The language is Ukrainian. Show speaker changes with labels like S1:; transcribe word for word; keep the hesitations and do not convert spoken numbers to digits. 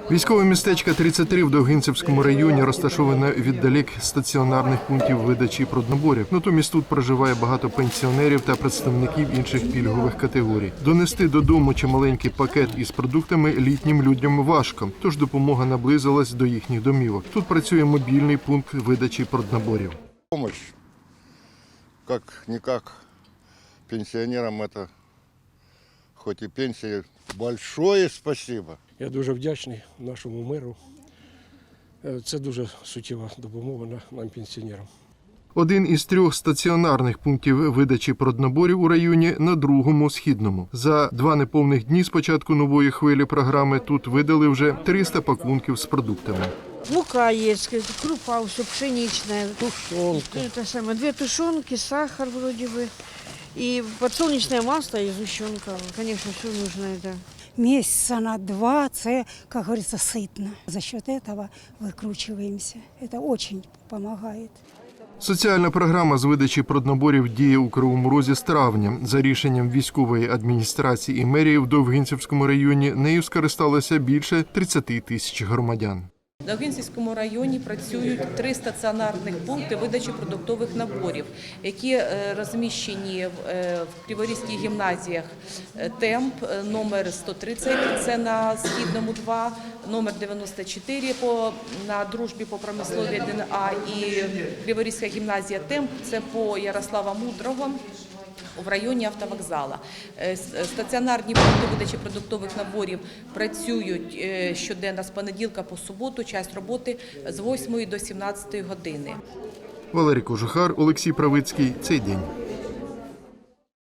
S1: Військове містечко тридцять три в Довгинцівському районі розташоване віддалік стаціонарних пунктів видачі проднаборів. Натомість тут проживає багато пенсіонерів та представників інших пільгових категорій. Донести додому чималенький пакет із продуктами літнім людям важко, тож допомога наблизилась до їхніх домівок. Тут працює мобільний пункт видачі проднаборів.
S2: Помощь, как-никак, пенсионерам это, хоть и пенсия, большое спасибо.
S3: Я дуже вдячний нашому меру. Це дуже суттєва допомога нам, пенсіонерам.
S1: Один із трьох стаціонарних пунктів видачі проднаборів у районі на другому східному. За два неповних дні з початку нової хвилі програми тут видали вже триста пакунків з продуктами.
S4: Мука есть, крупа все пшеничная.
S3: Тушонка.
S4: Это самое, две тушенки, сахар вроде бы. И подсолнечное масло и сгущенка. Конечно, все нужно это.
S5: Месяца на два, це, как говорится, сытно. За счет этого выкручиваемся. Это очень помогает.
S1: Соціальна програма з видачі проднаборів діє у Кривому Розі з травня. За рішенням військової адміністрації і мерії в Довгинцівському районі нею скористалося більше тридцять тисяч громадян.
S6: В Довгинцівському районі працюють три стаціонарних пункти видачі продуктових наборів, які розміщені в Криворізьких гімназіях. Темп номер сто тридцять, це на Східному два, номер дев'яносто чотири по, на Дружбі по промисловій один А і Криворізька гімназія Темп, це по Ярослава Мудрого в районі автовокзала. Стаціонарні пункти видачі продуктових наборів працюють щоденно з понеділка по суботу, час роботи з восьмої до сімнадцятої години.
S1: Валерій Кожухар, Олексій Правицький. Цей день.